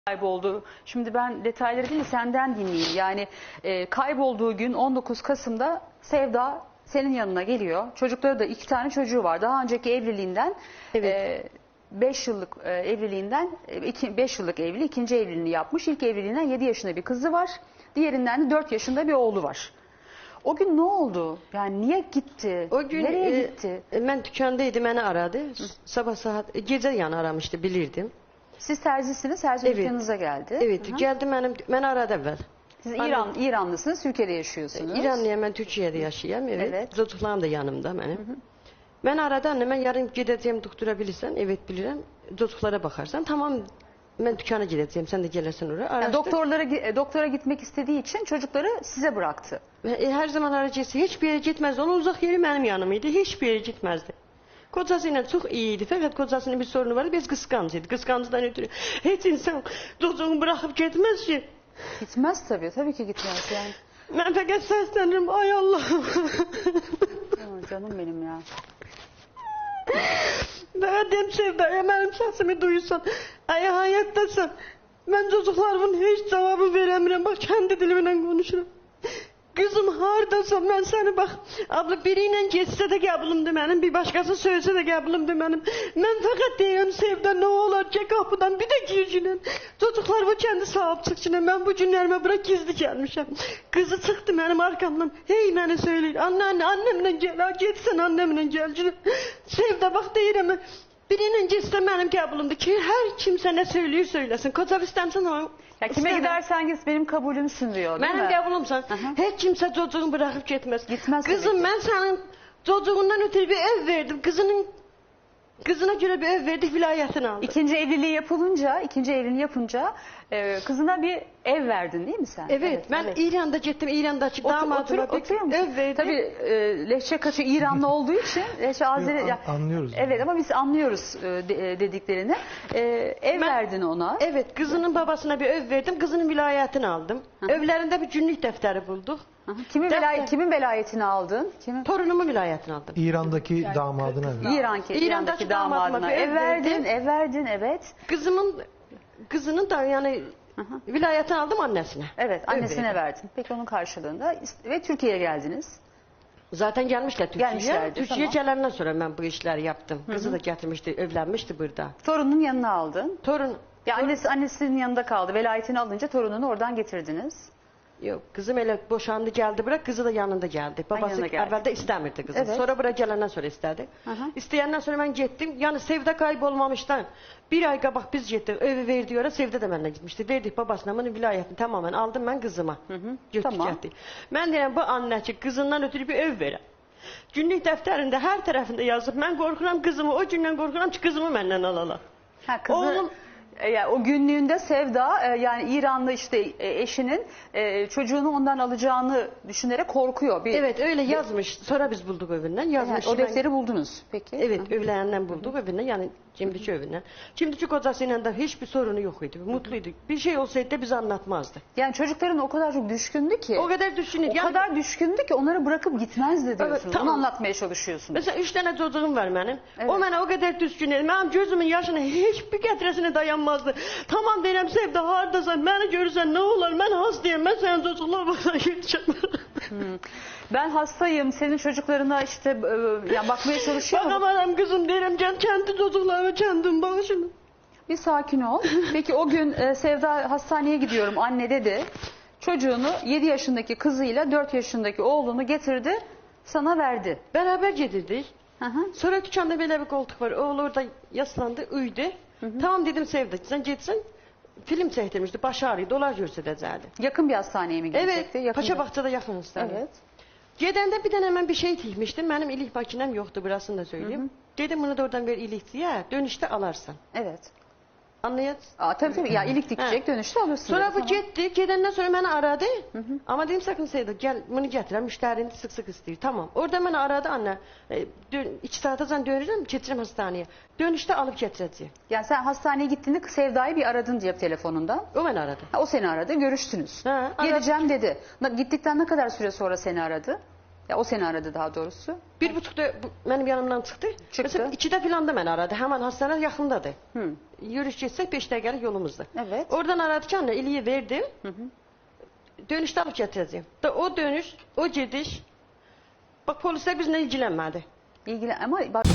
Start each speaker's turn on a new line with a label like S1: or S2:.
S1: kayboldu. Şimdi ben detayları değil senden dinleyeyim. Yani kaybolduğu gün 19 Kasım'da Sevda senin yanına geliyor. Çocukları da 2 tane çocuğu var. Daha önceki evliliğinden
S2: Evet.
S1: 5 yıllık evliliğinden 5 yıllık evli, ikinci evliliğini yapmış. İlk evliliğinden 7 yaşında bir kızı var. Diğerinden de 4 yaşında bir oğlu var. O gün ne oldu? Yani niye gitti?
S2: O gün
S1: nereye gitti?
S2: Ben dükkandaydım, beni aradı. Sabah saat gece yani aramıştı, bilirdim.
S1: Siz terzisiniz, terzi
S2: Evet.
S1: dükkanınıza geldi.
S2: Evet,
S1: Hı hı.
S2: geldi beni aradı evvel.
S1: Siz İranlısınız, Türkiye'de yaşıyorsunuz.
S2: İranlıyım, ben Türkiye'de yaşayayım. Evet.
S1: Evet.
S2: Çocuklarım da yanımda benim. Ben aradı, anne ben yarın gideceğim doktora, bilirsen. Evet bilirim. Çocuklara bakarsan tamam, ben dükkana gideceğim, sen de gelirsin oraya.
S1: Yani doktora gitmek istediği için çocukları size bıraktı.
S2: Her zaman arayıcısı hiçbir yere gitmezdi. Onun uzak yeri benim yanımıydı. Hiçbir yere gitmezdi. Kocasıyla çok iyiydi. Fakat kocasının bir sorunu vardı. Biz kıskancıydık. Kıskancıdan ötürü hiç insan çocuğunu bırakıp gitmez ki.
S1: Gitmez tabii. Tabii ki gitmez yani.
S2: Ben fakat seslenirim. Ay Allah'ım.
S1: Canım benim ya.
S2: Dedim Sevda'ya, benim sesimi duyursan. Ay hayattasın. Ben çocuklarımın hiç cevabı veremiyorum. Bak kendi dilimle konuşurum. Kızım hardasın, ben seni bak. Abla biriyle geçse de qəbulimdir benim. Bir başkası söylese de qəbulimdir benim. Ben fakat deyirəm Sevda, ne olur ki kapıdan bir de gircinin. Çocuklar bu kendi sahip çıksın. Ben bu günlerime bırak gizli gelmişim. Kızı çıktı benim arkamdan. Hey bana söyleyin. Anne annemle gel. Ha, gitsin annemle gel. Sevda bak deyirəm. Birinin geçse benim qəbulimdir ki her kimse ne söylüyor söylesin. Kocav istemsen o.
S1: Ya kime gidersen git benim kabulümsün diyor değil
S2: Benim
S1: mi?
S2: qəbulumsan. Hiç kimse çocuğunu bırakıp gitmez.
S1: Gitmez
S2: Kızım, ben senin çocuğundan ötürü bir ev verdim. Kızına göre bir ev verdik, vilayetini aldık.
S1: İkinci evliliği yapınca kızına bir ev verdin değil mi sen?
S2: Evet, ben İran'da gittim. İran'daki damadıma bir ev verdim.
S1: Tabii lehçe kaçı İranlı olduğu için lehçe Azeri...
S3: Anlıyoruz.
S1: Evet ama biz anlıyoruz dediklerini. Ev verdin ona.
S2: Evet, kızının babasına bir ev verdim. Kızının vilayetini aldım. Evlerinde bir günlük defteri bulduk.
S1: Kimin velayetini aldın?
S2: Torunumun vilayetini aldım.
S3: İran'daki damadına ver.
S1: İran'daki damadına
S2: bir
S1: ev verdin, evet.
S2: Kızının da yani vilayetini aldım annesine.
S1: Evet, annesine verdin. Peki onun karşılığında ve Türkiye'ye geldiniz.
S2: Zaten gelmişler Türkiye'ye.
S1: Gelmişlerdi,
S2: Türkiye'ye
S1: tamam.
S2: gelenden sonra ben bu işleri yaptım. Kızı da getirmişti, evlenmişti burada.
S1: Torunun yanına aldın.
S2: Torun.
S1: Ya annesinin yanında kaldı. Velayetini alınca torununu oradan getirdiniz.
S2: Yok, kızım elə boşandı geldi bırak, kızı da yanında geldi. Babası
S1: yanına geldi.
S2: evvelde istemirdi kızı.
S1: Evet.
S2: Sonra buraya gelenden sonra istedi. İsteyenden sonra ben gittim. Yani Sevda kaybolmamıştan bir ay qabaq biz gittik. Evi verdi yora, Sevda da benimle gitmişti. Verdik babasına bunun vilayetini tamamen aldım ben kızıma. Götür
S1: Tamam.
S2: getdik. Ben deyirəm bu anne ki kızından ötürü bir ev verəm. Günlük defterinde her tarafında yazıp ben korkuram kızımı, o günden korkuram ki kızımı benden alalar.
S1: Kızı,
S2: Oğlum,
S1: yani o günlüğünde Sevda yani İranlı işte eşinin çocuğunu ondan alacağını düşünerek korkuyor.
S2: Evet öyle yazmış. Sonra biz bulduk evinden. Yazmış.
S1: O defteri buldunuz peki.
S2: Evet, evlənəndən bulduq evindən, yəni şimdiki evindən. Şimdiki kocasıyla da hiçbir sorunu yok idi, mutluydu. Bir şey olsaydı da bize anlatmazdı.
S1: Yani çocukların o kadar çok düşkündü ki.
S2: O kadar düşünür.
S1: O kadar düşkündü ki onları bırakıp gitmezdi diyorsunuz.
S2: Evet, tamam.
S1: Onu anlatmaya çalışıyorsunuz.
S2: Mesela 3 tane çocuğum var benim.
S1: Evet.
S2: O bana o kadar düşkün idi. Benim gözümün yaşına hiçbir getiresine dayanmazdı. Tamam deyirəm Sevda hardasan, beni görürsen ne olur, ben hastayım, ben senin çocuklar bana geleceğim.
S1: Ben hastayım, senin çocuklarına işte ya bakmaya çalışıyorum.
S2: Bakamadım kızım deyirəm, kendi çocuklarıma kendim bakışım.
S1: Bir sakin ol. Peki o gün Sevda hastaneye gidiyorum anne dedi. Çocuğunu 7 yaşındaki kızıyla 4 yaşındaki oğlunu getirdi, sana verdi.
S2: Beraber gedirdik.
S1: Hı.
S2: Sonra dükkanda böyle bir koltuk var. Oğlu orada yaslandı, uyudu. Tamam dedim Sevda, sen gitsen. Film çektirmişti, başı ağrıyor, dolar göstərəcəkdi.
S1: Yakın bir hastaneye mi gidecekti?
S2: Evet, Paşa Bahçe'de yakın hastane.
S1: Evet.
S2: Gedəndə bir dənə mən bir şey tikmişdim. Benim ilik makinem yoktu, burasını da söyleyeyim. Dedim bunu da oradan ver ilikçiye, dönüşte alarsan.
S1: Evet.
S2: Anlayasın.
S1: Tabii ya ilik dikecek dönüşte alırsın.
S2: Sonra
S1: dedi,
S2: bu getdi, gedəndən sonra beni aradı. Ama dedim sakın Sevda, gel bunu getirəm, müşterini sık istəyir. Tamam. Orada beni aradı anne. 2 saatəcən dönürəm, getirəm hastaneye. Dönüşte alıp getirəcək.
S1: Yani sen hastaneye gittiğinde Sevda'yı bir aradın cep telefonundan.
S2: O beni aradı.
S1: O seni aradı, görüştünüz.
S2: Ha,
S1: Geleceğim dedi. Gittikten ne kadar süre sonra seni aradı? Ya o seni aradı daha doğrusu.
S2: 1:30'da benim yanımdan çıktı.
S1: Çıktı.
S2: Mesela 2'de filan da beni aradı. Hemen hastane yakındadır.
S1: Hı.
S2: Yürüyüş geçsek 5 dakikalık yolumuzda.
S1: Evet.
S2: Oradan aradı ki anne iliği verdim. Dönüşte alıp getireceğim. Da o dönüş, o gidiş. Bak polisler bizimle ilgilenmedi.
S1: Ama bak